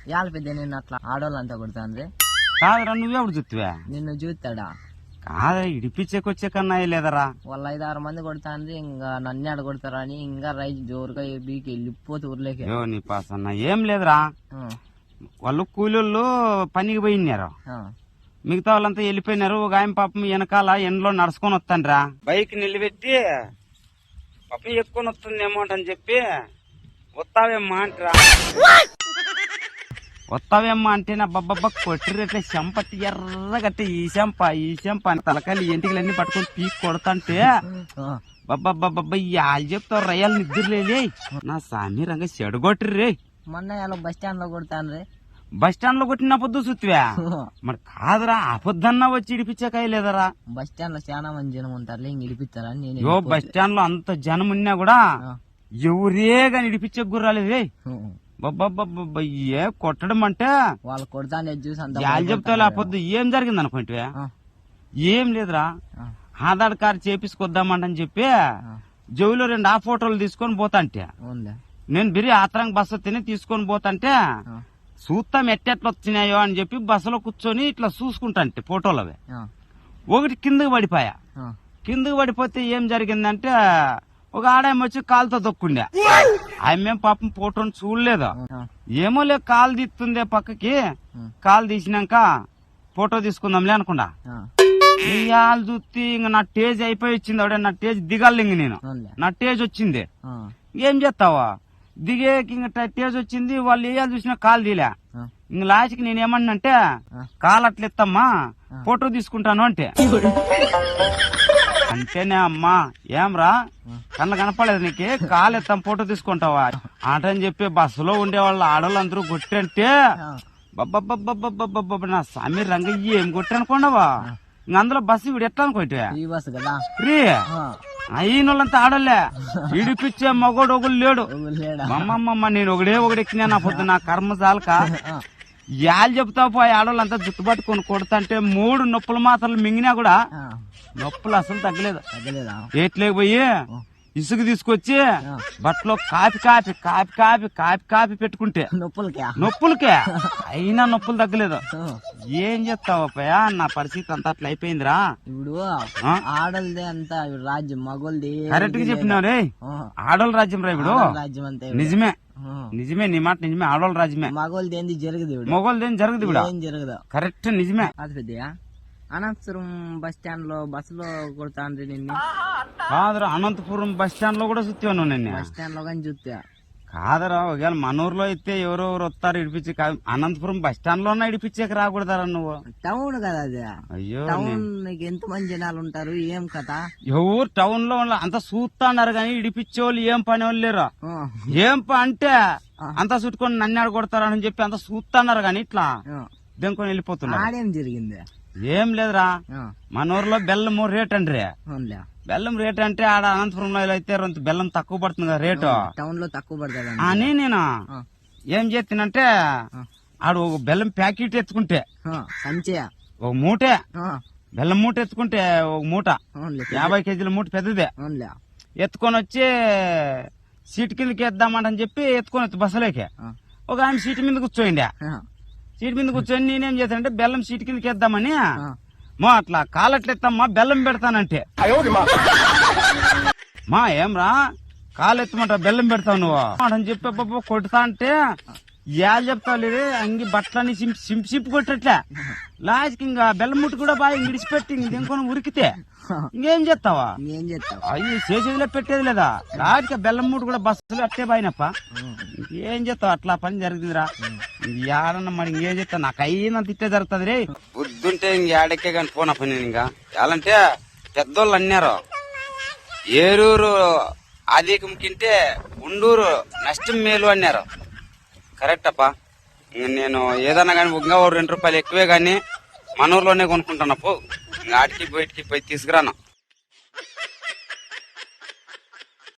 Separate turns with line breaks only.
యాళ్ళ పెద్ద నిన్ను అట్లా ఆడోళ్ళంతా కొడతాండ్రి.
కాదురా నువ్వెప్పుడు చూస్తావా?
నిన్ను చూస్తాడా?
కాదా ఇడిపించేకొచ్చే కన్నా లేదరా.
వాళ్ళ 5-6 మంది కొడతాండ్రి, ఇంకా నన్ను ఆడ కొడతారా అని ఇంకా రైతు జోరుగా బీకి వెళ్ళిపోతే ఊర్లోకి.
నీ పాసన్న ఏం లేదురా, వాళ్ళు కూలీళ్ళు పనికి పోయినారు, మిగతా వాళ్ళంతా వెళ్ళిపోయినారు. ఒక ఆయన పాపం వెనకాల ఎండలో నడుచుకొని వస్తాండ్రా, బైక్ నిలబెట్టి పాపం ఎక్కుకొని వస్తుందేమో అని చెప్పి వస్తావేమ్మా అంటరా. వస్తావేమ్మా అంటే నా బబ్బబ్బ కొట్టిరట్లే చెంపట్టి ఎర్రగట్టి ఈ చెంప అని తలకాయలు ఎంటికలన్నీ పట్టుకొని పీక్ కొడతాంటే బబ్బబ్బబ్బ వాళ్ళు చెప్తావు రయ్యాలు నిద్రలే నా సామి రంగా చెడగొట్టిర్రే.
మొన్న బస్ స్టాండ్ లో కొడతాను.
బస్ స్టాండ్ లో కొట్టిన పొద్దు చూస్తువా? మరి కాదురా అబద్ధన్నా వచ్చి ఇడిపించకాయ లేదరా.
బస్ స్టాండ్ లో చాలా మంది జనం ఉంటారు, ఇంక ఇడిపిస్తారా?
బస్ స్టాండ్ లో అంత జనం ఉన్నా కూడా ఎవరే గాని ఇడిపించే గుర్రాలేదే. బబ్బబ్బబ్బ ఏ కొట్టడం అంటే
వాళ్ళు కొడతానే చూసి
వాళ్ళు చెప్తా పొద్దు ఏం జరిగింది అనుకుంటే ఏం లేదురా, ఆధార్ కార్డు చేపించుకొద్దామంటని చెప్పి జైలు 2 ఫోటోలు తీసుకొని పోతాంటే నేను బిరి ఆత్రంగా బస్సు తిని తీసుకొని పోతాంటే చూస్తాం ఎట్టెట్లా వచ్చినాయో అని చెప్పి బస్సులో కూర్చొని ఇట్లా చూసుకుంటాంటే ఫోటోలు అవి ఒకటి కిందకి పడిపోయా. కిందకి పడిపోతే ఏం జరిగిందంటే ఒక ఆడాయమ వచ్చి కాలుతో దొక్కుండే. ఆమె పాపం ఫోటోని చూడలేదు, ఏమో లే కాలు తీస్తుంది పక్కకి, కాలు తీసినాక ఫోటో తీసుకుందాంలే అనుకుండా ఇవాళ చూస్తే ఇంక నా టేజ్ అయిపోయి వచ్చింది. ఆవిడ నా టేజ్ దిగాలి, ఇంక నేను నా టేజ్ వచ్చింది. ఏం చేస్తావా దిగేకి ఇంక టేజ్ వచ్చింది, వాళ్ళు వేయాలి చూసినా కాలు తీలే. ఇంక లాస్ట్కి నేనేమన్నంటే కాలు అట్లెత్తమ్మా ఫోటో తీసుకుంటాను అంటే అంటేనే అమ్మా ఏమ్రా కళ్ళ కనపడలేదు నీకే, కాలు ఎత్తాం ఫోటో తీసుకుంటావా ఆటని చెప్పి బస్సులో ఉండే వాళ్ళు ఆడవాళ్ళందరూ కొట్టంటే బబ్బబ్బబ్బబ్బబ్బబ్బ నా సామి రంగ ఏం కొట్టనుకోండవా. ఇంక అందులో బస్సు వీడు ఎట్లా అనుకోటే ఫ్రీ అయినోళ్ళంతా ఆడలే, ఇడిపిచ్చే మగోడు ఒకడు లేడు. అమ్మమ్మమ్మ నేను ఒకడే ఎక్కినా నా పొద్దు నా కర్మ చాలక యాళ్ళు చెప్తావు పోయి ఆడవాళ్ళంతా జుట్టు పట్టుకొని కొడుతుంటే 3 నొప్పులు మాత్రలు మింగినా కూడా నొప్పులు అసలు తగ్గలేదు. ఏట్లేక పోయి ఇసుక తీసుకొచ్చి బట్టలో కాపి పెట్టుకుంటే నొప్పులకే అయినా నొప్పులు తగ్గలేదు. ఏం చెప్తావా నా పరిస్థితి అంతా అట్లా అయిపోయిందిరా.
ఇప్పుడు ఆడలదే అంతా రాజ్యం, మగోళ్ళది
కరెక్ట్ గా చెప్పినావు రే. ఆడోళ్ళ రాజ్యం రా ఇప్పుడు. నిజమే నీ మాట నిజమే, ఆడోళ్ళ రాజ్యమే.
మగోళ్ళది ఏంది జరగదు,
మగోళ్ళది ఏం జరగదు ఇప్పుడు. కరెక్ట్ నిజమే.
అది పెద్దయా అనంతపురం బస్ స్టాండ్ లో బస్సులో కొడతాండ్రి నిన్ను.
కాదురా అనంతపురం బస్ స్టాండ్ లో కూడా చూస్తాను నిన్ను.
బస్ స్టాండ్ లో కానీ చూస్తా
కాదురా. ఒకవేళ మన ఊర్లో అయితే ఎవరెవరు వస్తారు ఇడిపించి, అనంతపురం బస్ స్టాండ్ లోనే ఇడిపించేకి రాకూడదారా నువ్వు?
టౌన్ కదా అది.
అయ్యో
టౌన్ ఎంత మంది జనాలు ఉంటారు, ఏం కదా.
ఎవరు టౌన్ లో అంతా చూస్తాన్నారు కానీ ఇడిపించే వాళ్ళు ఏం పని వాళ్ళు లేరు. ఏం అంటే అంతా చుట్టుకొని నన్ను ఆడ కొడతారని చెప్పి అంతా చూస్తున్నారు కానీ ఇట్లా దెంకొని వెళ్ళిపోతున్నారు.
ఆడేం జరిగింది?
ఏం లేదురా, మన ఊర్లో బెల్లం రేట్ అండ్రి. బెల్లం రేట్ అంటే ఆడ అనంతపురంలో అయితే బెల్లం తక్కువ పడుతుంది కదా రేటు,
టౌన్ లో తక్కువ పడుతుంది
అని నేను ఏం చేస్తానంటే ఆడ ఒక బెల్లం ప్యాకెట్ ఎత్తుకుంటే ఒక మూటే బెల్లం మూట ఎత్తుకుంటే ఒక మూట 50 కేజీల మూట పెద్దదే ఎత్తుకొని వచ్చి సీట్ కిందకి వేద్దామంటని చెప్పి ఎత్తుకొని బస్సులోకి ఒక ఆయన సీట్ మీద కూర్చోండి. సీట్ మీద కూర్చొని నేనేం చేస్తానంటే బెల్లం సీట్ కిందకి వేద్దామని మా అట్లా కాలట్లెత్తమ్మా బెల్లం పెడతానంటే మా ఏమ్రా కాలెత్తమంట బెల్లం పెడతావు నువ్వు అని చెప్పి కొడతా అంటే యాళ్ళు చెప్తావు లేదు అంగి బట్టలని సింపు కొట్టట్లే. లాస్ట్కి ఇంకా బెల్లం ముట్టు కూడా బాగా విడిచిపెట్టి ఇంకొని ఉరికితే ఇంకేం చేస్తావా? అయ్యి చేసేదిలే పెట్టేది లేదా. లాస్ట్కి బెల్లం ముట్టు కూడా బస్సులు అట్టే బాయినప్ప ఏం చేస్తావు? అట్లా పని జరిగిందిరా. ఏడన్నా మరి ఇంకేం చేస్తా, నాకు అయినా తిట్టే జరుగుతుంది రే. బుద్ధుంటే ఇంక ఏడకే కానీ పోనా పని. ఇంకా ఎలాంటే పెద్దోళ్ళు అన్నారు ఏరూరు ఆదికం కింటే ఉండూరు నష్టం మేలు అన్నారు. కరెక్ట్ అప్ప. నేను ఏదన్నా కానీ ఇంకా 2 రూపాయలు ఎక్కువే గాని మన ఊర్లోనే కొనుక్కుంటాను. పో ఇంకా ఆటికి బయటికి పోయి తీసుకురాను.